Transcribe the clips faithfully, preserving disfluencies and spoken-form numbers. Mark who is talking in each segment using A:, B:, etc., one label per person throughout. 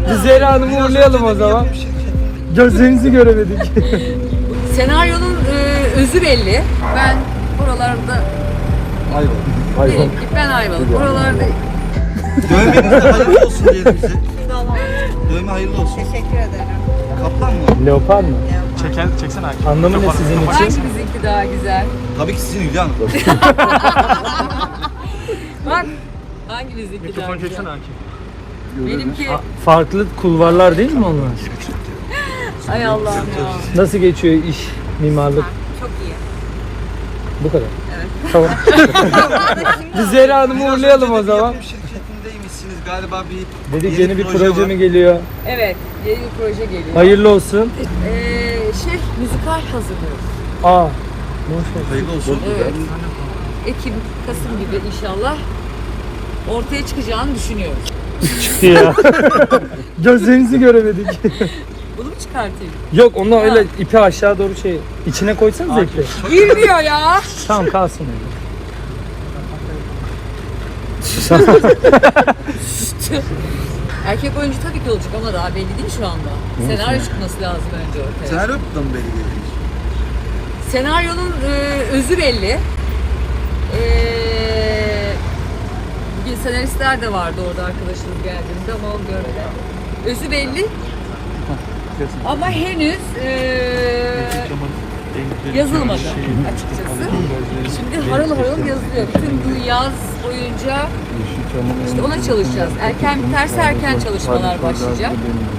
A: Biz Zehra Hanım'ı uğurlayalım o zaman. Gözlerinizi göremedik.
B: Senaryonun e, özü belli. Ben buralarda
C: Ayvalık.
B: değilim ki. Ben Ayvalık. Buralarda
C: Dövmeniz de hayırlı olsun diyelim size. Dövme hayırlı olsun.
D: Teşekkür ederim.
C: Kaplan mı?
A: Leopar mı?
E: Çeken, çeksene Hakim.
A: Anlamı ne sizin için?
B: hangi bizimki daha güzel?
C: Tabii ki sizin Hülya Hanım.
B: Bak hangi bizimki daha
E: Mikrofon
B: güzel?
E: çeksene Hakim.
B: Benimki
A: Farklı kulvarlar değil mi onlar?
B: ay Allah'ım ya.
A: Nasıl geçiyor iş, mimarlık?
D: Çok iyi.
A: Bu kadar.
D: Evet.
A: Tamam. Biz Zehra Hanım'ı
C: Biraz
A: uğurlayalım
C: önce
A: o
C: de bir
A: zaman.
C: yapım şirketindeymişsiniz galiba bir
A: Dedik yeni bir proje mi geliyor?
B: Evet, yeni bir proje geliyor.
A: Hayırlı olsun.
B: Ee, şey, müzikal hazırlıyoruz.
A: Aa. Boş ver.
C: Hayırlı olsun.
B: Evet. Ekim, Kasım gibi inşallah ortaya çıkacağını düşünüyorum.
A: Çıktı ya. Gözlerinizi göremedik.
B: Bunu mu çıkartayım?
A: Yok onunla öyle
B: Ha.
A: ipi aşağı doğru şey içine koysanız ipi.
B: Girmiyor ya.
A: Tamam kalsın öyle.
B: Erkek oyuncu tabii ki olacak ama daha belli değil şu anda. Senaryo çıkması lazım önce ortaya.
C: Senaryo da mı belli değil?
B: Senaryonun e, özü belli. E, bugün senaristler de vardı orada arkadaşımız geldiğinde ama o görmedi. Özü belli ama henüz e, yazılmadı açıkçası. Şimdi harıl harıl yazılıyor. Bütün bu yaz boyunca işte ona çalışacağız. Erken biterse erken çalışmalar başlayacak.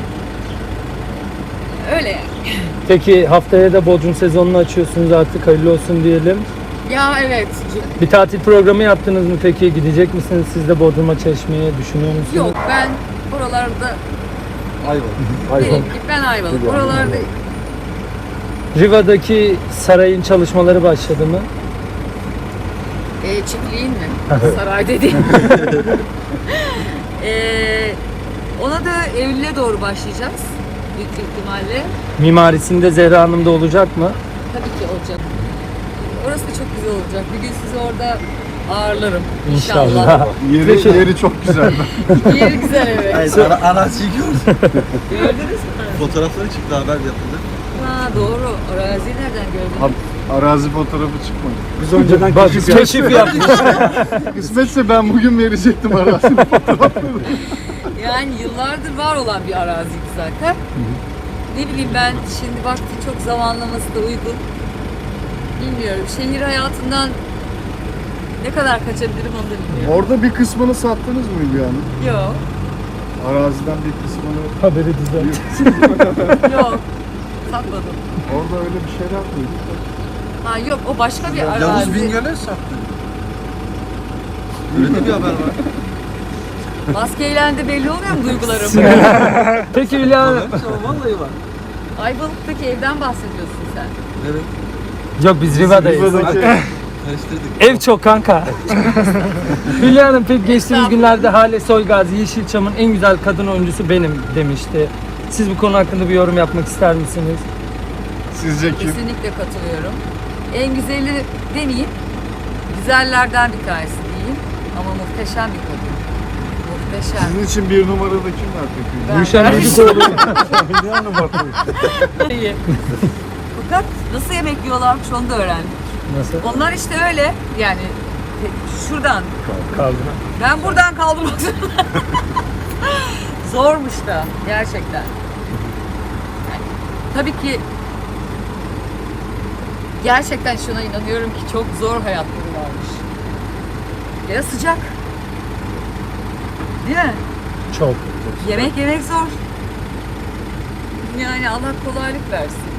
B: Öyle yani.
A: Peki haftaya da Bodrum sezonunu açıyorsunuz artık hayırlı olsun diyelim.
B: Ya evet.
A: Bir tatil programı yaptınız mı peki? Gidecek misiniz siz de Bodrum'a Çeşme'ye düşünüyor musunuz?
B: Yok ben buralarda
C: Ayvalık.
B: değilim ki. Ben Ayvalık. Buralarda
A: Riva'daki sarayın çalışmaları başladı mı?
B: e, çiftliğin mi? Saray dediğin. e, ona da Eylül'e doğru başlayacağız. Büyük bir ihtimalle.
A: Mimarisinde Zehra Hanım'da olacak mı?
B: Tabii ki olacak. Orası da çok güzel olacak. Bir gün sizi orada ağırlarım. İnşallah.
A: İnşallah.
F: Yeri, yeri çok güzel.
B: Yeri güzel evet.
C: Hayır, ara, araziyi gördüm.
B: Gördünüz mü?
C: Fotoğrafları çıktı, haber yapıldı.
B: Ha doğru. Araziyi nereden gördün?
F: Arazi fotoğrafı çıkmadı.
E: Biz önceden
A: Bak keşif yapmış.
F: Kısmetse ben bugün verecektim arazinin fotoğrafını.
B: Yani yıllardır var olan bir araziydi zaten. Ne bileyim ben şimdi vakti çok zamanlaması da uygun. Bilmiyorum. Şehir hayatından ne kadar kaçabilirim onu da bilmiyorum.
F: Orada bir kısmını sattınız mı Hülya Hanım?
B: Yok.
F: Araziden bir kısmını...
A: Haberi düzelt.
B: Yok. Satmadım.
F: Orada öyle bir şeyler duyduk.
B: Ha yok o başka bir
C: Yavuz
B: arazi.
C: Bingöl'e sattı. Öyle de bir haber var.
B: Maskeyle de belli oluyor mu duygularım?
A: Peki Hülya Hanım.
C: Vallahi var.
B: Ayvalık'taki evden bahsediyorsun sen.
C: Evet.
A: Yok biz Riva'dayız.
F: Riva'daki
C: Karıştırdık.
A: Ev çok kanka. Hülya Hanım pek geçtiğimiz günlerde Hale Soygazi Yeşilçam'ın en güzel kadın oyuncusu benim demişti. Siz bu konu hakkında bir yorum yapmak ister misiniz?
F: sizce kim?
B: Kesinlikle katılıyorum. En güzeli demeyeyim. Güzellerden bir tanesi diyeyim. Ama muhteşem bir kadın. Muhteşem.
F: Sizin için bir numarada kim var peki?
B: Ben-
A: Gülşen
B: ben-
A: Çocukluoğlu.
F: Hülya Hanım bak.
B: İyi. Fakat nasıl yemek yiyorlarmış onu da öğrendim.
A: Nasıl?
B: Onlar işte öyle yani şuradan
A: Kaldı.
B: ben buradan kaldırmak zorunda. Zormuş da gerçekten. Yani, tabii ki gerçekten şuna inanıyorum ki çok zor hayatları varmış. Ya sıcak. Değil mi?
A: Çok.
B: Yemek yemek zor. Yani Allah kolaylık versin.